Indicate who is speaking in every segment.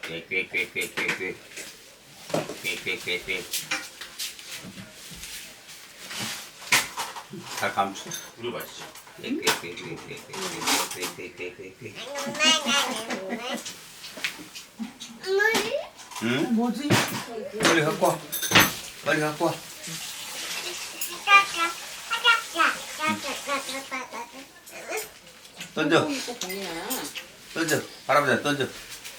Speaker 1: 꽥꽥꽥꽥꽥. 꽥꽥꽥꽥. 잘 감춰.
Speaker 2: 우리 맛있지.
Speaker 1: 꽥꽥꽥꽥꽥꽥꽥꽥. 응?
Speaker 3: 뭐지?
Speaker 1: 빨리 갖고 와. 빨리 갖고 와. 던져. 던져. 할아버지한테 던져.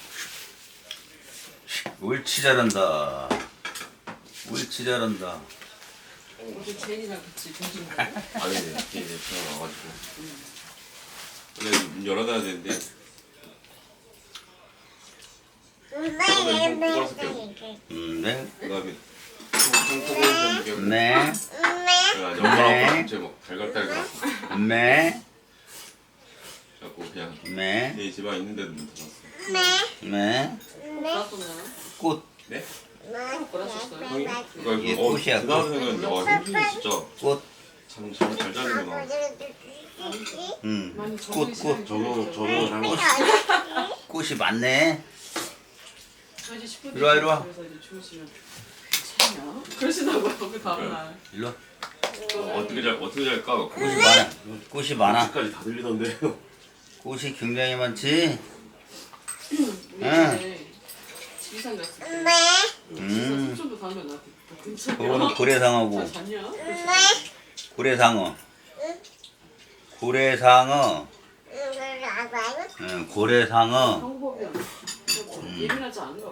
Speaker 1: 옳지 잘한다. 옳지 잘한다.
Speaker 3: 어제 제인이랑 같이 등진 거.
Speaker 2: 아니 이제 전화 와가지고. 원래 문 열어놔야 되는데.
Speaker 1: 네.
Speaker 2: 그다음에 통통통 좀
Speaker 1: 네.
Speaker 2: 연말하고 이제 막 달걀달걀.
Speaker 1: 네.
Speaker 2: 자꾸 그냥
Speaker 1: 네.
Speaker 2: 내 집안 있는데도 문 닫았어.
Speaker 1: 네.
Speaker 3: 뭐랐었나요?
Speaker 1: 꽃.
Speaker 2: 네?
Speaker 3: 뭐랐었어요?
Speaker 2: 형이?
Speaker 1: 이게
Speaker 2: 그러니까
Speaker 1: 꽃이야,
Speaker 2: 그 다음 생각은 형준이 진짜
Speaker 1: 꽃.
Speaker 2: 잠잘 자는구나.
Speaker 1: 응.
Speaker 3: 많이
Speaker 1: 꽃, 꽃.
Speaker 2: 저도 잘 먹었어.
Speaker 1: 꽃이 많네.
Speaker 3: 저 이제 10분
Speaker 1: 이리 와, 이리 와.
Speaker 3: 그래서 이제 주무시면 괜찮냐? 그러시다고요 그 다음날.
Speaker 1: 일로 와.
Speaker 2: 어떻게 잘까?
Speaker 1: 꽃이 많아. 꽃이 많아.
Speaker 2: 까지 다 들리던데.
Speaker 1: 꽃이 굉장히 많지.
Speaker 3: 우리
Speaker 1: 응.
Speaker 3: 집에 지리산 갔을 때
Speaker 1: 음.
Speaker 3: 숙소도 다음에 나한테 괜찮냐?
Speaker 1: 그거는 고래상어고.
Speaker 3: 잘 잤냐?
Speaker 1: 고래상어. 고래상어. 응, 고래상어.
Speaker 3: 방법이야. 예민하지 않은가 봐.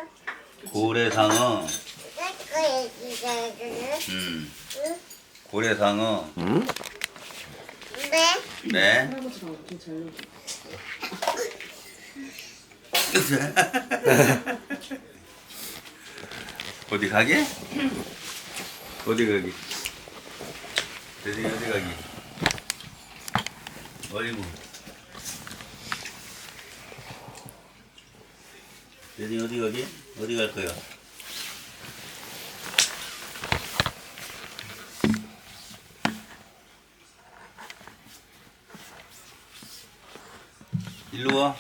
Speaker 1: 고래상어. 고래상어.
Speaker 2: 응?
Speaker 1: 네.
Speaker 3: 할아버지랑 좀잘 놀자.
Speaker 1: 어디 가게? 어디 가기? 어디 가기? 어이구. 대진이 어디 가기? 어디 갈 거야? 일로 와.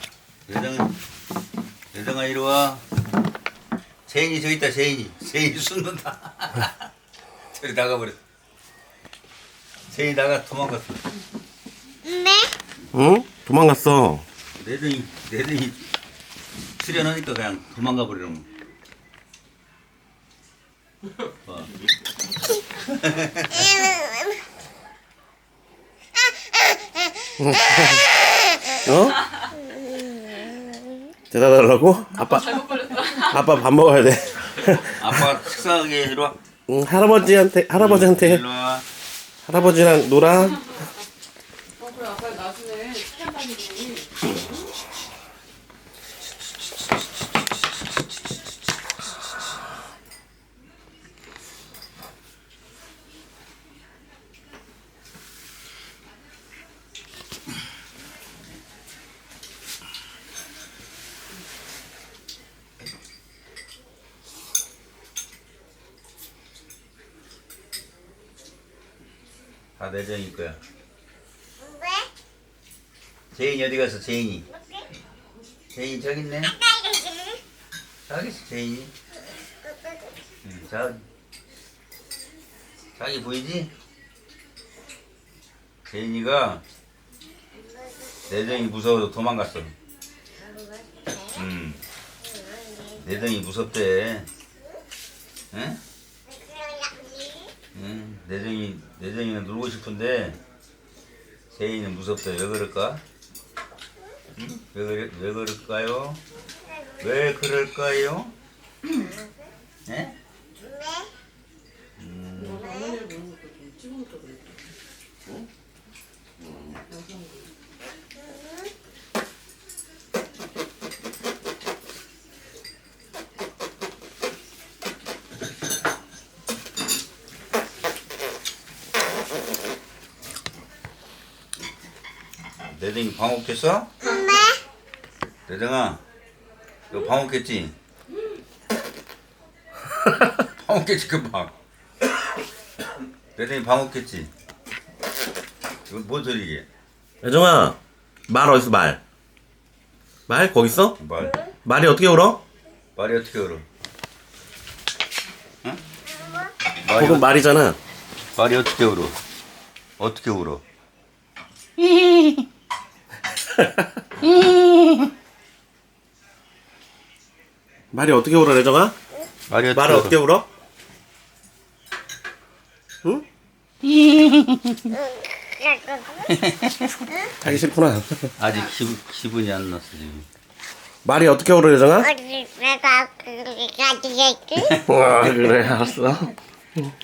Speaker 1: 여정아 이리 와. 세인이 저기 있다. 세인이 숨는다. 저리 나가버렸어. 세인이 도망갔어.
Speaker 2: 응? 도망갔어.
Speaker 1: 내등이 출연하니까 그냥 도망가 버리는 거.
Speaker 2: 어? 대답하려고? 아빠
Speaker 3: 잘못 걸렸다.
Speaker 2: 아빠 밥 먹어야 돼.
Speaker 1: 아빠 식사하게 이리 와.
Speaker 2: 응, 할아버지한테
Speaker 1: 일로 와.
Speaker 2: 할아버지랑 놀아.
Speaker 3: 그래 아빠 나중에 시간 다니고.
Speaker 1: 다 내정일 거야. 제인이 어디 갔어? 제인이 저기 있네. 저기 있어 제인이. 응, 자기 보이지? 제인이가 내정이 무서워서 도망갔어. 내정이 무섭대. 응? 응, 내정이는 놀고 싶은데 세인이는 무섭대. 왜 그럴까? 응? 왜 그럴까요? 왜 그럴까요? 네?
Speaker 3: 라면을 먹는 것도 좀 찍어놓자 그랬다. 어? 영상으로.
Speaker 1: 내정이 밥 먹겠어? 내정아, 너 밥 먹겠지? 밥 먹겠지 금방. 내정이 밥 먹겠지? 이거 뭔 소리게?
Speaker 2: 여정아, 말 어딨어 말? 말 거기 있어?
Speaker 1: 말.
Speaker 2: 말이 어떻게 울어?
Speaker 1: 말이 어떻게 울어? 응?
Speaker 4: 그건 말이잖아.
Speaker 1: 말이 어떻게 울어? 어떻게 울어?
Speaker 4: 말이 어떻게 울어, 레정아?
Speaker 1: 말이 어떻게
Speaker 4: 말을
Speaker 1: 울어?
Speaker 4: 어떻게 울어? 응? 하기 싫구나.
Speaker 1: 아직 기분이 안 났어 지금.
Speaker 4: 말이 어떻게 울어, 레정아?
Speaker 5: 내가 그렇게 가지겠지?
Speaker 4: 와, 그래, 알았어.